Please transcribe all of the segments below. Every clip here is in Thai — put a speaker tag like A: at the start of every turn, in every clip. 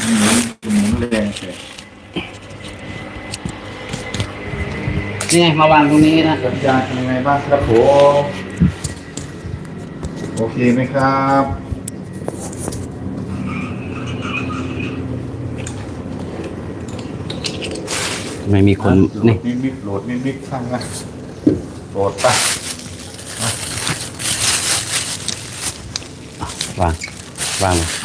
A: หมุนแรงเลย
B: นี่ไงมาวางตรงนี้นะ
A: สัญญาณเป็นยังไงบ้างครับผมโอเคไหมครับ
B: ไม่มีคนนี่
A: โหลดนิดข้างนะโหลดไป
B: วางวางเลย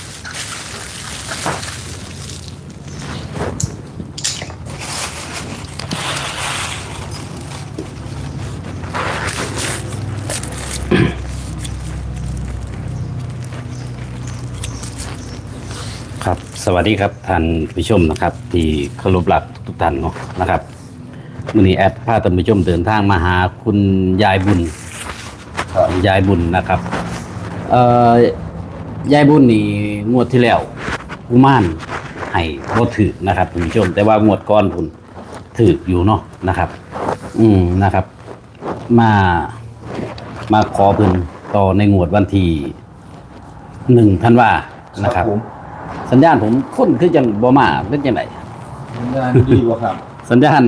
B: ครับ สวัสดีครับท่านผู้ชมนะครับ ที่เคารพรักทุกท่านเนาะนะครับมื้อนี้แอดพาท่านผู้ชมเดินทางมาหาคุณยายบุญยายบุญนะครับยายบุญนี่งวดที่แล้วกุมารให้บ่ถือนะครับท่านผู้ชม แต่ว่างวดก่อนพุ่นถืออยู่เนาะนะครับนะครับ มาขอเพิ่นต่อในงวดวันที่1 ธันวานะครับ สัญญาณผมค้นคือจังบ่มาเป็นจังได
A: สัญญาณดีกว่าครับ
B: สัญญาณ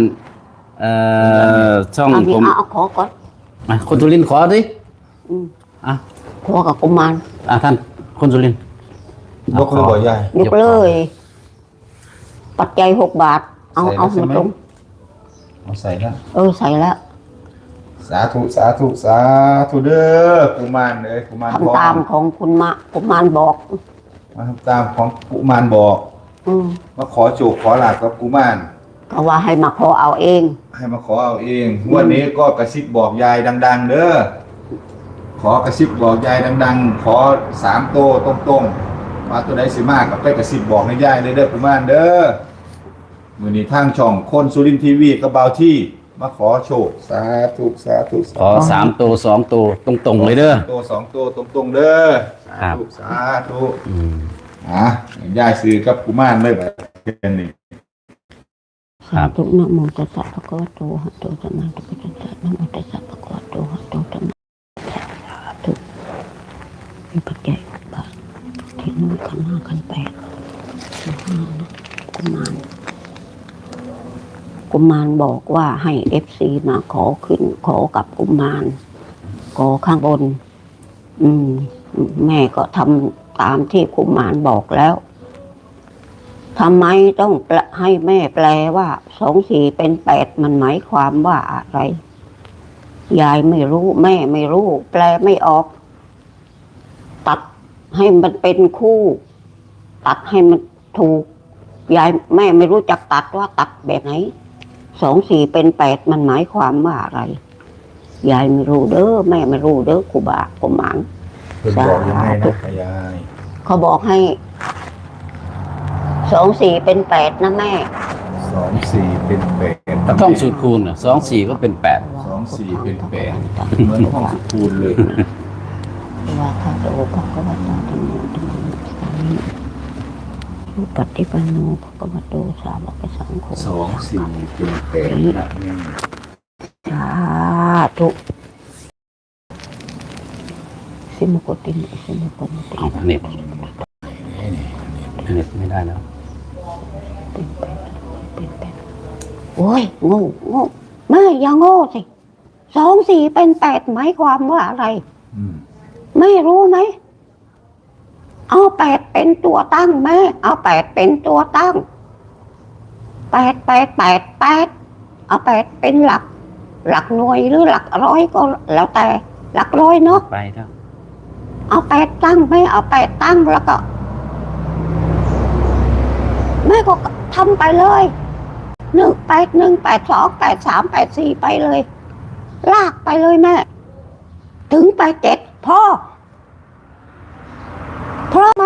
B: ช่อง
C: เอา
B: ผม
C: เอาขอก่อน
B: คนสุรินทร์ขอดิอ่ะ
C: ขอกับกุมาร
B: ท่านคนสุรินทร์
A: ยกเลยบ่ใหญ่
C: ยกเลย ปัจจัย6 บาท เอา
A: ใส่
C: เอา
A: แล้วใช่
C: มา
A: ไหม
C: ตรง
A: เอาใส่นะ
C: ใส่แล้ว
A: สาธุสาธุสาธุเด้อกุมารเอ้ยกุมารทอง
C: ทำตามของคุณมะกุมารบอก
A: มาทำตามของกุมารบอก มาขอโจกขอหลาบกับกุมาร
C: ก็ว่าให้มาขอเอาเอง
A: ให้มาขอเอาเองงวันนี้ก็กระซิบบอกยายดัง ๆ เด้อขอกระซิบบอกยายดัง ๆ ขอ3 โตวตรงๆมาตัวใดสิมากกับไปกระซิบบอกให้ยายเลยเด้อกุมารเด้อมื้อนี้ทางช่องคนสุรินทร์ทีวีกับเบาที่มาขอโชคสาธุสาธุสา
B: ขอ
A: ธุ
B: 3 ตัว 2 ตัวตรงๆเลยเด้อ
A: ตัว2 ตัวตรงๆเด้อ
B: ครั
A: สา
B: บ
A: ธุสาธุยายซื้อกับกุมารเลยแบบนี้
C: สาธุนะโมตัสสะภะคะวะโตอะระหะโตสัมมาสัมพุทธัสสะนะโมตัสสะภะคะวะโตอะระหะโตสัมมาสาธุมีปัจจัย6 บาทที่นู่นขัน 5 ขัน 8นะกุมารบอกว่าให้FCมาขอขึ้นขอกับกุมารขอข้างบน แม่ก็ทำตามที่กุมารบอกแล้วทำไมต้องให้แม่แปลว่า2 4 เป็น 8มันหมายความว่าอะไร ยายไม่รู้แม่ไม่รู้ แปลไม่ออก ตัดให้มันเป็นคู่ ตัดให้มันถูก ยายแม่ไม่รู้จักตัดว่าตัดแบบไหน2 4 เป็น 8มันหมายความว่าอะไร ยายไม่รู้เด้อแม่ไม่รู้เด้อครูบากุมาร
A: เพิ่นบอกยังไงนะยาย
C: เขาบอกให้2 4 เป็น 8นะแม่
A: 2 4 เป็น8
B: ท่องสูตรคูณ2 4 ก็เป็น
A: 2 4 เป็น8เหมือนห้องสุคูณเลย
C: ว่าข้าโตภะคะวะโตธัมโมธัมมังสามิสุปฏิปันโนภะคะวะโตสาวกสังโฆ
A: 2 4 เป็น8นะแม่
C: สาธุสิมุกติสิมุกติ
B: 8เอาเน็ตไม่ได้แล้ว
C: เป็นแปดโอ้ยโง่แม่อย่าโง่สิ2 4 เป็น 8หมายความว่าอะไร ไม่รู้ไหมเอา8เป็นตัวตั้งแม่เอา8เป็นตัวตั้ง8เอา8เป็นหลักหน่วยหรือหลักร้อยก็แล้วแต่หลักร้อยเนาะ
B: ไปแล้ว
C: เอา8ตั้งแม่เอา8ตั้งแล้วก็แม่ก็ทำไปเลย1 8 1 8 2 8 3 8 4ไปเลยลากไปเลยแม่ถึง8 7พ่อไหม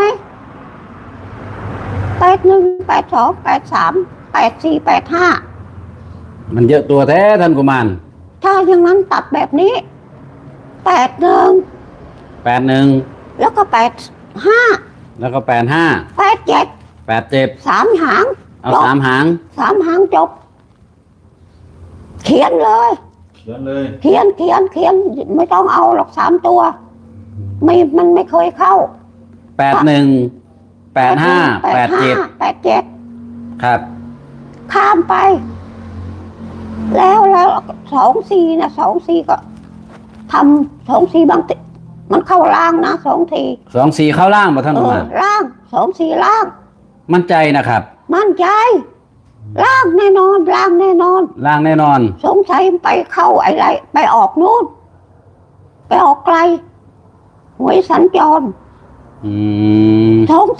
C: 8 1 8 2 8 3 8 4 8 5
B: มันเยอะตัวแท้ท่านกุมาร
C: ถ้าอย่างนั้นตัดแบบนี้8 1
B: 81
C: แล้วก็8 5
B: แล้วก็85
C: 8 7
B: 87
C: 3 หาง
B: เอา3 หาง
C: 3 หางจบเขียนเลย
A: เขียนเลย
C: เขียนไม่ต้องเอาหรอก3 ตัวมันไม่เคยเข้า
B: 81 85 87
C: 87
B: ครับ
C: ข้ามไป แล้ว24นะ24ก็ทำ24บางทีมันเข้าล่างนะ24
B: 24เข้าล่างบ่ท่านกุมาร
C: ล่าง24ล่าง
B: มั่นใจนะครับ
C: มั่นใจล่างแน่นอนล่างแน่นอน
B: ล่างแน่นอน
C: สงสัยไปเข้าอะไรไปออกนู่นไปออกไกลหวยสัญจร
B: อืม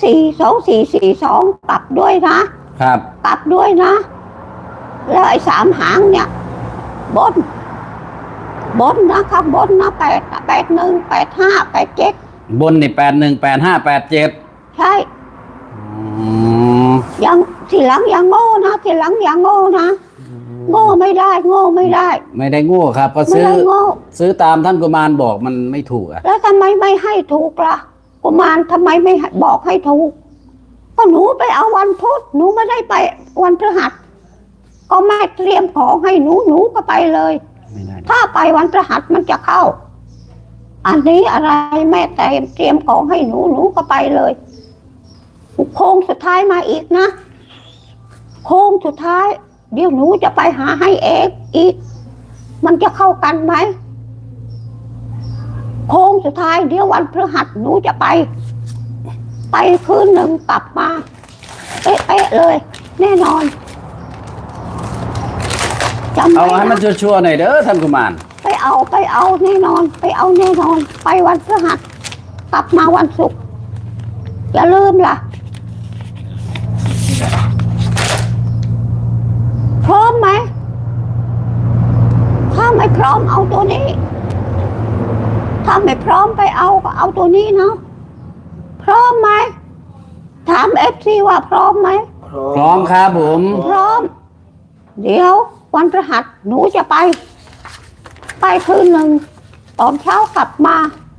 C: 24 24 42กลับด้วยนะครับ กลับด้วยนะ แล้วไอ้3 หางเนี่ยบนนะครับบนนะ81 85 87
B: บนนี่81 85 87
C: ใช่
B: อืม
C: ยังทีหลังอย่างโง่นะทีหลังอย่างโง่นะโง่ไม่ได้
B: ไม่ได้โง่ครับ ก็
C: ไม่
B: ซื้อ
C: ได้โง่
B: ซื้อตามท่านกุมารบอกมันไม่ถูกอ่ะ
C: แล้วทำไมไม่ให้ถูกล่ะกุมารทำไมไม่ให้บอกให้ถูกก็หนูไปเอาวันพุธหนูไม่ได้ไปวันพฤหัสก็แม่เตรียมของให้หนูก็ไปเลย
B: ไม่ได้
C: ถ้าไปวันพฤหัสมันจะเข้า อันนี้อะไรแม่แต่เตรียมของให้หนูก็ไปเลยโค้งสุดท้ายมาอีกนะโค้งสุดท้าย เดี๋ยวหนูจะไปหาให้เองอีก มันจะเข้ากันไหมโค้งสุดท้ายเดี๋ยววันพฤหัสหนูจะไปคืนหนึ่งกลับมาเป๊ะๆเลย แน่นอนจำ
B: เอา
C: ไว้
B: ให้มัน
C: นะ
B: ชัวร์ๆหน่อยเด้อท่านกุมาร
C: ไปเอาแน่นอนไปเอาแน่นอน ไปวันพฤหัสกลับมาวันศุกร์อย่าลืมล่ะพร้อมไหมถ้าไม่พร้อมเอาตัวนี้ ถ้าไม่พร้อมไปเอาก็เอาตัวนี้เนาะพร้อมไหมถามFCว่าพร้อมไหม
B: พร้อมครับผม
C: พร้อม เดี๋ยววันพฤหัสหนูจะไปคืนหนึ่งตอนเช้ากลับมา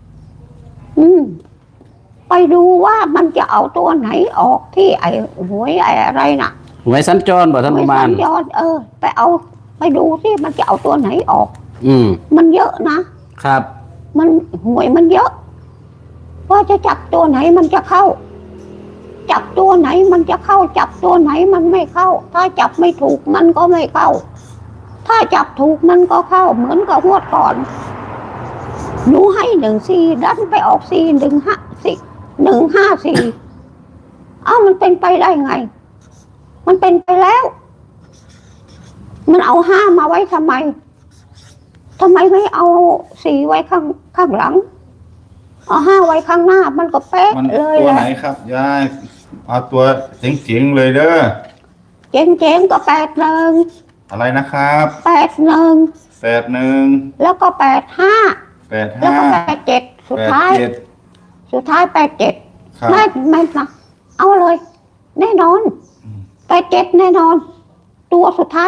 C: ไปดูว่ามันจะเอาตัวไหนออกที่ไอ้หวยไอ้อะไรน่ะ
B: หวยสัญจรบ่ท่านกุมาร
C: หวยสัญจรไปดูสิมันจะเอาตัวไหนออก
B: อืม
C: มันเยอะนะครับ มันหวยมันเยอะ ว่าจะจับตัวไหนมันจะเข้า จับตัวไหนมันจะเข้า จับตัวไหนมันไม่เข้า ถ้าจับไม่ถูกมันก็ไม่เข้า ถ้าจับถูกมันก็เข้า เหมือนกับงวดก่อนหนูให้14ดันไปออก154มันเป็นไปได้ไง มันเป็นไปแล้ว มันเอา5มาไว้ทำไมไม่เอา4ไว้ข้างหลังเอา5ไว้ข้างหน้ามันก็เป๊ะ
A: มัน
C: เลย
A: ตัว
C: แห
A: ไหน
C: ละ
A: ครับยายเอาตัวเจ๋งๆเลยเด้อ
C: เจ๋งๆก็81
A: อะไรนะครับ
C: 81
A: 81
C: แล้วก็85แล้วก็
A: 85
C: 87สุดท้าย 87
A: ครับ
C: ไม่นะเอาเลย แน่นอน87แน่นอน ตัวสุดท้าย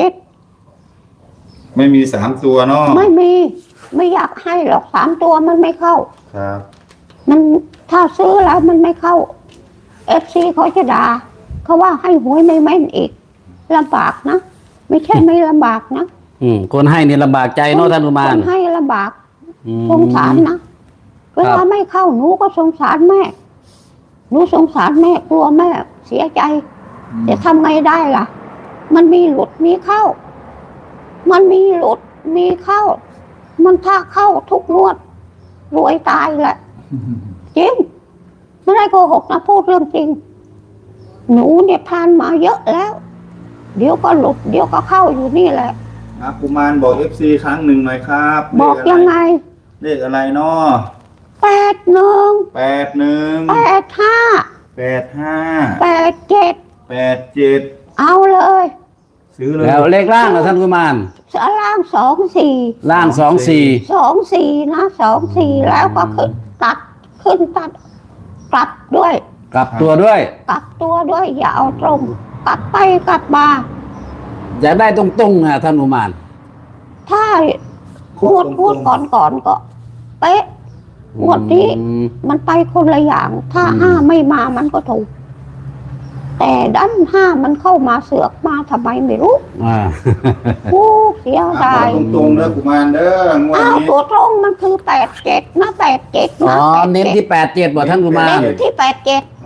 C: 87
A: ไม่มี3ตัวเนาะ
C: ไม่อยากให้หรอก3ตัวมันไม่เข้า
A: ครับ
C: มันถ้าซื้อแล้วมันไม่เข้า FC เขาจะด่าเขาว่าให้หวยไม่แม่นอีกลำบากนะ ไม่ใช่ไม่ลำบากนะ
B: คนให้นี่ลำบากใจเนาะท่านกุมาร
C: คนให้ลำบาก
B: อืม
C: สงสารนะเวลาไม่เข้าหนูก็สงสารแม่หนูสงสารแม่กลัวแม่เสียใจจะทำไงได้ล่ะ มันมีหลุดมีเข้า มันมีหลุดมีเข้า มันถ้าเข้าทุกงวดรวยตายแหละจริงไม่ได้โกหกนะพูดเรื่องจริง หนูเนี่ยผ่านมาเยอะแล้ว เดี๋ยวก็หลุดเดี๋ยวก็เข้าอยู่นี่แหละ
A: กุมารบอก FC ครั้งหนึ่งหน่อยครับ
C: บอกยังไง
A: เลขอะไรเนาะ
C: 81
A: 81
C: 85
A: 85
C: 87
A: 87
C: เอาเลย
A: ซื้อเลย
B: แล้วเลขล่างเหรอท่านกุมาร
C: ล่าง24
B: ล่าง24
C: นะ24แล้วก็ขึ้นตัดกลับด้วย
B: กลับตัวด้วย
C: กลับตัวด้วยอย่าเอาตรงกลับไปกลับมา
B: อยากได้ตรงๆนะท่านกุมาร
C: ถ้าพูดก่อนก็เป๊ะงวดนี้ มันไปคนละอย่าง ถ้า5ไม่มามันก็ถูก แต่ดัน5มันเข้ามาเสือกมาทำไมไม่รู้ เสียดาย
A: ตรงๆเด้อกุมารเด้องวดนี้
C: ตัวตรงมันคือ87นะ87
B: อ๋
C: นะ
B: อเน้นที่87บ่ท่านกุมาร
C: เน้นที่87
A: อ๋อ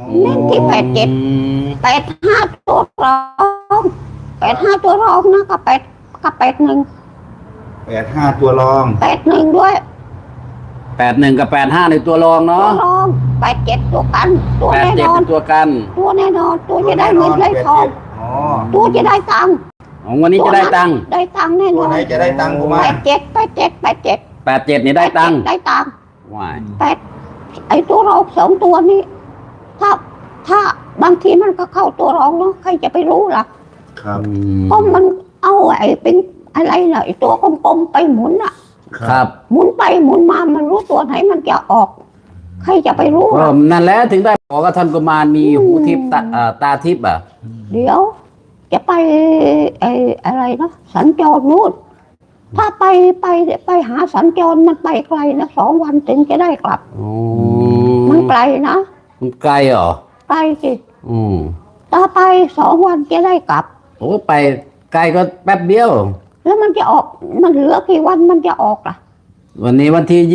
C: เน้นที่87 85ตัวรอง85ตัวรองนะกับ81
A: 85ตัวรอง
C: 81ด้วย
B: 81 กับ 85ในตัวรอง
C: ตัว
B: เนาะ
C: รอง87ตัวกันตัวแน่น
B: 87
C: อน
B: เป็นตัวกัน
C: ตัวแน่นอนตัวจะได้เงินได้ทอง
A: อ๋อ
C: ตัวจะได้ตังค์
B: ของวันนี้จะได้ตังค์
C: ได้ตังค์แน่น
A: ตัว
C: อน
A: ไหนจะได้ตังค์กุมาร
C: 87
B: 87นี่ได้ตังค์
C: ได้ตังค์
B: ว้าย
C: ไอ้ตัวรอง2ตัวนี้ถ้าบางทีมันก็เข้าตัวรองเนาะใครจะไปรู้ล่ะ
A: ครับ
C: เพราะมันเอาไอ้เป็นอะไรน่ะไอ้ตัวกลมๆไปหมุนอ่ะ
B: ครับ
C: หมุนไปหมุนมามันรู้ตัวไหนมันจะออก ใครจะไปรู้
B: ก็
C: ล่ะ
B: นั่นแหละถึงได้บอกว่าท่านกุมารมีหูทิพย์ตาทิพย์อ่ะ
C: เดี๋ยว จะไปไอ้อะไรนะสัญจรนู่นถ้าไปหาสัญจรมันไปไกลนะ2 วันถึงจะได้กลับ
B: อ๋อ
C: มันไกลนะ
B: มันไกลเหรอ
C: ไกลสิ
B: อืม
C: ต่อไป2 วันจะได้กลับ
B: โอ้ไปไกลก็แป๊บเดียว
C: แล้วมันจะออกมันเหลือกี่วันมันจะออกล่ะ
B: วันนี้วันที่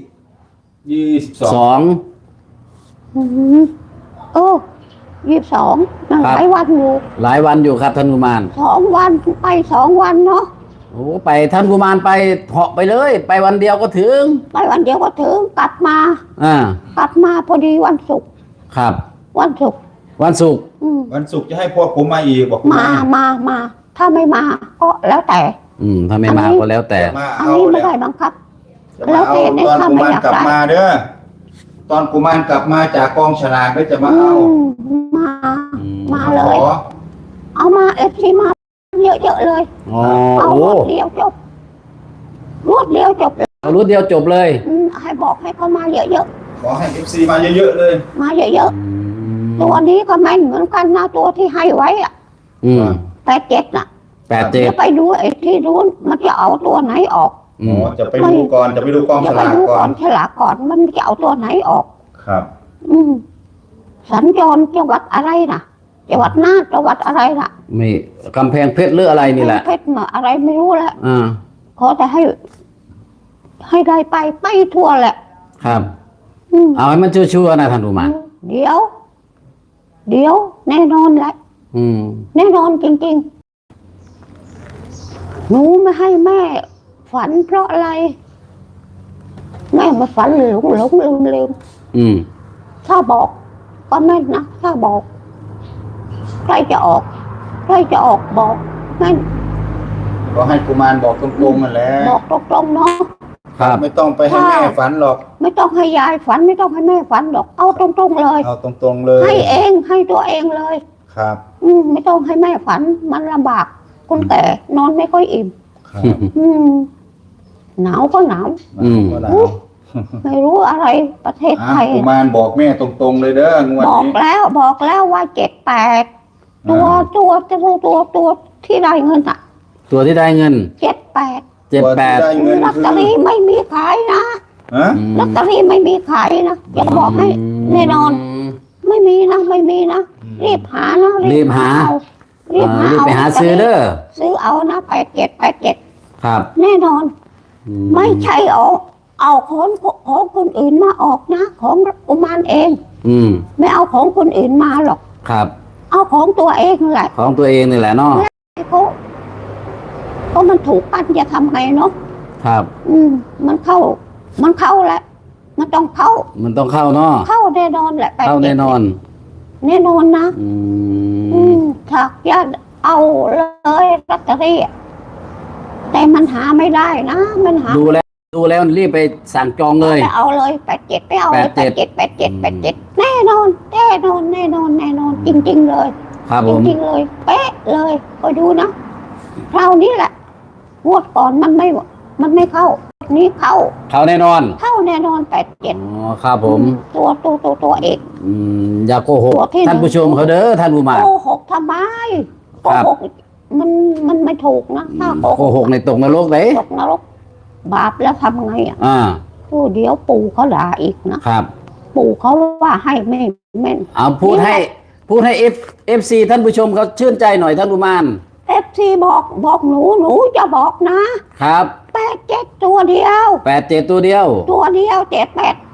A: 22
B: 22
C: อืมเออ22นั่น
B: ครับ
C: หลายวันอยู่
B: หลายวันอยู่ครับท่านกุมาร
C: 2 วันไป2 วันเนาะ
B: โอ้ไปท่านกุมารไปเหาะไปเลย ไปวันเดียวก็ถึง
C: ไปวันเดียวก็ถึงกลับมา
B: อ่าก
C: ลับมาพอดีวันศุกร์
B: ครับ
C: วันศุกร์
B: วันศุกร์
C: อืม
A: วันศุกร์จะให้พวกผมมาอีกบอกกุ
C: มา
A: มาร
C: มาถ้าไม่มาก็แล้วแต่
B: ถ้าไม่มาก็แล้วแต่
A: มา
C: อัน
A: เอา
C: นี้ไม่
A: แล้ว
C: ได้บังคับ
A: จะมาเอา
C: แล้วแต่
A: ตอน
C: ถ้า
A: กุ
C: ไม่
A: มาร
C: อยาก
A: กลับ
C: ได้
A: มาเด้อตอนกุมารกลับมาจากกองฉลากก็จะมาเอา
C: มา
B: อืม
C: มาเลย
A: ขอ
C: เอามาFCมาเยอะๆเลย
B: อ๋อ
C: เอา
B: โอ้
C: รวดเดียวจบรวดเดียวจบ
B: เอารุ่นเดียวจบเลย
C: ให้บอกให้เขามาเยอะ
A: ขอให้ FC มาเยอะๆเลย
C: ๆมาเยอะๆตัวนี้ก็แม่นเหมือนกันนะตัวที่ให้ไว้อะ
B: อืม
C: 87น่ะ
B: 87
C: เดี๋ยวไปดูไอ้ที่รู้นมันจะเอาตัวไหนออก
B: อื
A: อ๋
B: ม
A: อจะไปดูก่อนจะไปดูกอง
C: เดี๋
A: ฉ
C: ยวไป
A: ลาก
C: ดู
A: ก่
C: ก่
A: อ
C: อน นฉลากก่อนมันจะเอาตัวไหนออก
A: ครับ
C: อืมสัญจรจังหวัดอะไรนะจังหวัดน่านจังหวัดอะไรล่ะ
B: ไม่กำแพงเพชรหรืออะไรนี่แหละ
C: เพชรมาอะไรไม่รู้แหละ
B: อ่า
C: ขอแต่ให้ได้ไปทั่วแหละ
B: ครับ
C: อืม
B: เอาให้มันชัวร์ๆนะท่านกุมาร
C: เดี๋ยวแน่นอนแหละ
B: อืม
C: แน่นอนจริงๆหนูไม่ให้แม่ฝันเพราะอะไร แม่มาฝันหลงลืม
B: อืม
C: ถ้าบอกก็แม่นนะถ้าบอกใครจะออกบอกแม่น
A: ก็ให้กุมารบอกตรงๆนั่นแหละ
C: บอกตรงๆเนาะ
B: ครับ
A: ไม่ต้องไปให้แม่ฝันหรอก
C: ไม่ต้องให้ยายฝันไม่ต้องให้แม่ฝันหรอกเอาตรงๆเลย
A: เอาตรงๆเลย
C: ให้เองให้ตัวเองเลย
A: ครับ
C: ไม่ต้องให้แม่ฝันมันลำบากคนแก่นอนไม่ค่อยอิ่ม
A: ครับ
C: หนาวก็หนาว
B: อืม
A: ก็หนาว
C: ไม่รู้อะไรประเทศไทย
A: กุมารบอกแม่ตรงๆเลยเด้องวด
C: บอก
A: นี้
C: แล้วว่า78ตัวที่ได้เงินอ่ะ
B: ตัวที่ได้เงิน
C: 78
A: ตัวที่ได้
B: 78
A: เงิน
C: ลอต
A: คื
C: เตอ
A: อ
C: รี่ไม่มีขายนะ
A: ฮะ
C: ลอตเตอรี่ไม่มีขายนะจะบอกให้แน่นอน ไม่มีนะรีบหานะ
B: รีบหา
C: เอารีบหา
B: รีบไปหาซื้อเด้อ
C: ซื้อเอานะ87
B: ครับ
C: แน่นอน
B: อื
C: ไม่ใช่เอาของคนอื่นมาออกนะ ของกุมารเอง
B: อืม
C: ไม่เอาของคนอื่นมาหรอก
B: ครับ
C: เอาของตัวเองแหละ
B: ของตัวเองนี่แหละเนาะ
C: เขาก็มันถูกปั้นจะทำไงเนาะ
B: ครับ
C: มันเข้าแหละมันต้องเข้า
B: มันต้องเข้าเนาะ
C: เข้าแน่นอนแหละ
B: เข้าแน่นอน
C: แน่นอนนะ
B: อื
C: อื
B: ม
C: ถ้าญาติเอาเลยลอตเตอรี่แต่มันหาไม่ได้นะมันหา
B: ดูแล้วรีบไปสั่งจองเลย
C: ไปเอาเลย87ไปเอาเลย87แน่นอนจริงๆเลย
B: ครับ
C: จ
B: ผม
C: ริงๆเลยเป๊ะเลยก็ดูนะคราวนี้แหละงวดก่อนมันไม่เข้านี้เข้า
B: เข้าแน่นอน
C: เข้าแน่นอน
B: อ๋อครับผม
C: ตัวเอก
B: อย่าโกหก
C: ตัวที่หนึ่ง
B: ท่านผู้ชมเขาเด้อท่านผู้มา
C: โกหกทำไมโก
B: ครับ
C: หกมันไม่ถูกนะถ้า
B: โกหกในตกนรกไหน
C: ตกนรกบาปแล้วทำไงอ่ะ
B: อ่า
C: เดี๋ยวปู่เขาด่าอีกนะครับ ปู่เขาว่าให้แม่น
B: เอาพูดให้เอฟซีท่านผู้ชมเขาชื่นใจหน่อยท่านผู้มาน
C: FC บอกหนูจะบอกนะครับ87ตัวเดียว
B: 87ตัวเดียว
C: 78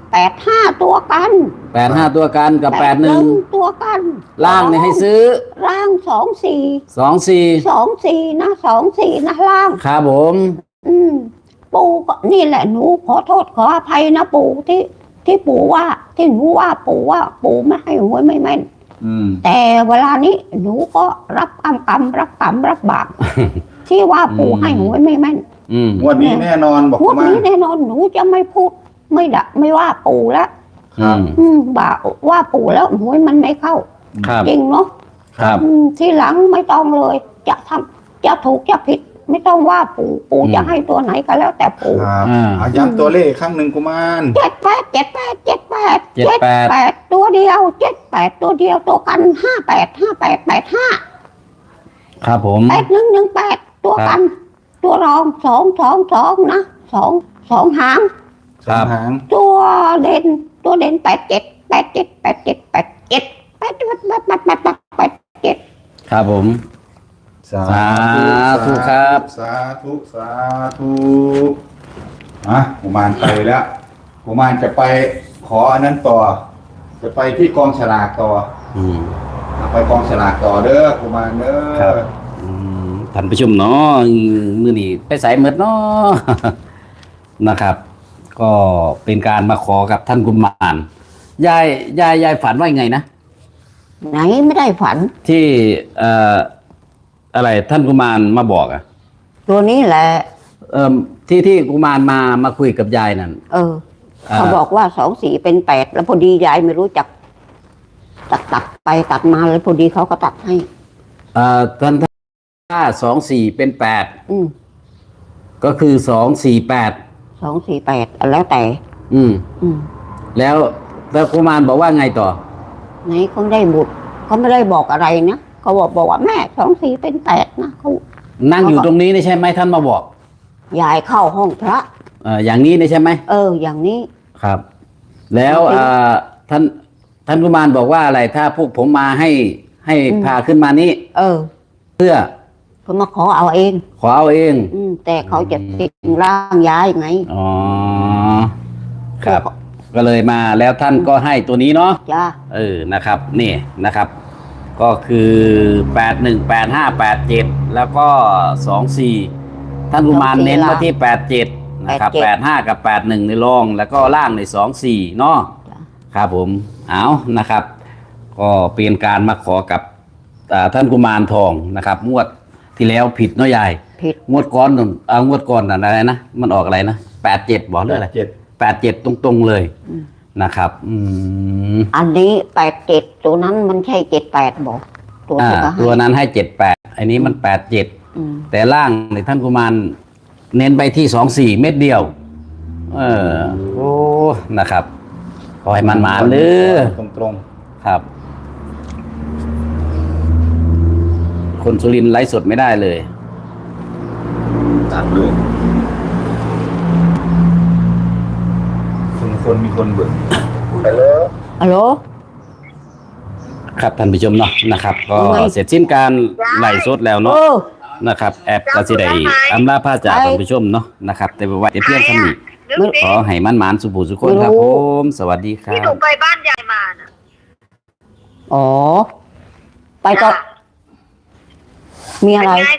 C: 85ตัวกัน
B: 85ตัวกันกับ81
C: ตัวกัน
B: ล่างเนี่ยให้ซื้อ
C: ล่าง24
B: 24
C: 24นะ24นะล่าง
B: ครับผม
C: ปู่ก็นี่แหละหนูขอโทษขออภัยนะปู่ที่ปู่ว่าที่หนูว่าปู่ไม่ให้หวยไม่แม่น แต่เวลานี้หนูก็รับกรรมรับบาป ที่ว่าปู่ให้หวยไม่แม่น
A: งวดนี้แน่นอนบอก
C: งวด
A: มา
C: นี้แน่นอนหนูจะไม่พูดไม่ว่าปู่แล้ว
B: ครับ
C: บ่าว่าปู่แล้วหวยมันไม่เข้า
B: ครับ
C: จริงเนาะ
B: ครับ
C: ทีหลังไม่ต้องเลย จะถูกจะผิด ไม่ต้องว่าปู่จะให้ตัวไหนก็แล้วแต่ปู่
A: ครับย้ำตัวเลขอีกครั้งหนึ่งกุมาร
C: 78ตัวเดียว78ตัวเดียวตัวกัน58
B: ครับผม
C: 8118ตัวกัน ตัวรอง222นะ2หาง
B: ครับ
A: หาง
C: ตัวเด่น87
B: ครับผม
A: สา
B: ธุครับ
A: สาธุกุมารไปแล้วกุมารจะไปขออันนั้นต่อ จะไปที่กองฉลากต่อ ไปกองฉลากต่อเด้อกุมารเด้
B: ครับ
A: อ
B: ท่านผู้ชมเนาะมื้อนี้ไปใส่หมดเนาะ นะครับ ก็เป็นการมาขอกับท่านกุมารยายฝันว่ายังไงนะ
C: ไหนไม่ได้ฝัน
B: ที่อะไรท่านกุมารมาบอกอ่ะ
C: ตัวนี้แหละ
B: ที่กุมารมาคุยกับยายนั่น
C: เขาบอกว่า24เป็น8แล้วพอดียายไม่รู้จักตัดไปตัดมาแล้วพอดีเขาก็ตัดให้
B: ท่านถ้า24เป็น8
C: อืม
B: ก็คือ248
C: 248แล้วแต่
B: อืม
C: อืม
B: แล้วกุมารบอกว่าไงต่อ
C: ไหนเขาได้บุตรเขาไม่ได้บอกอะไรนะเขาบอกว่าแม่24เป็น8นะเขา
B: นั่งอยู่ตรงนี้นี่ใช่ไหมท่านมาบอก
C: ยายเข้าห้องพระ
B: อย่างนี้นี่ใช่ไหม
C: อย่างนี้
B: ครับ แล้วท่านกุมารบอกว่าอะไรถ้าพวกผมมาให้พาขึ้นมานี้ เพื่อ
C: เขามาขอเอาเอง
B: ขอเอาเอง
C: แต่เขาจะติดร่างยายไง
B: อ๋อครับ ก็เลยมาแล้วท่านก็ให้ตัวนี้เนาะ
C: จ้า
B: นะครับ นี่นะครับ ก็คือ818587แล้วก็24ท่านกุมารเน้นมาที่87นะครับ85กับ81ในรองแล้วก็ล่างใน24เนาะครับผมเอานะครับ ก็เป็นการมาขอกับท่านกุมารทองนะครับงวดที่แล้วผิดเนาะยาย
C: ผิด
B: งวดก่อนงวดก่อนอะไรนะมันออกอะไรนะ87บอกเรื่องอะไร87ตรงๆเลยนะครับ
C: อันนี้87ตัวนั้นมันใช่78บอก
B: ตัวนั้นให้78อันนี้มัน87แต่ล่างในท่านกุมารเน้นไปที่24เม็ดเดียวโอ้นะครับขอให้มันมาเด้อ
A: ตรง
B: ครับ คนสุรินทร์ไลฟ์สดไม่ได้เลย
A: ๆตัดเลยคนมีคนเบื่อไปเลย
C: ฮัลโหล
B: ครับท่านผู้ชมเนาะนะครับ ก็
C: ยังไง
B: เสร็จสิ้นการไลฟ์สดแล้วเนาะนะครับ แอปกสิได้อำลาพาจากท่านผู้ชมเนาะนะครับ แต่ว่าเพียงเท่านี้ขอให้มันหมานสุขสุขคนครับผมสวัสดีครั
D: ที่หนู
B: บ
D: ไปบ้านยายมาน่ะ
C: ไปต่อมีอะไร
D: เป็นไง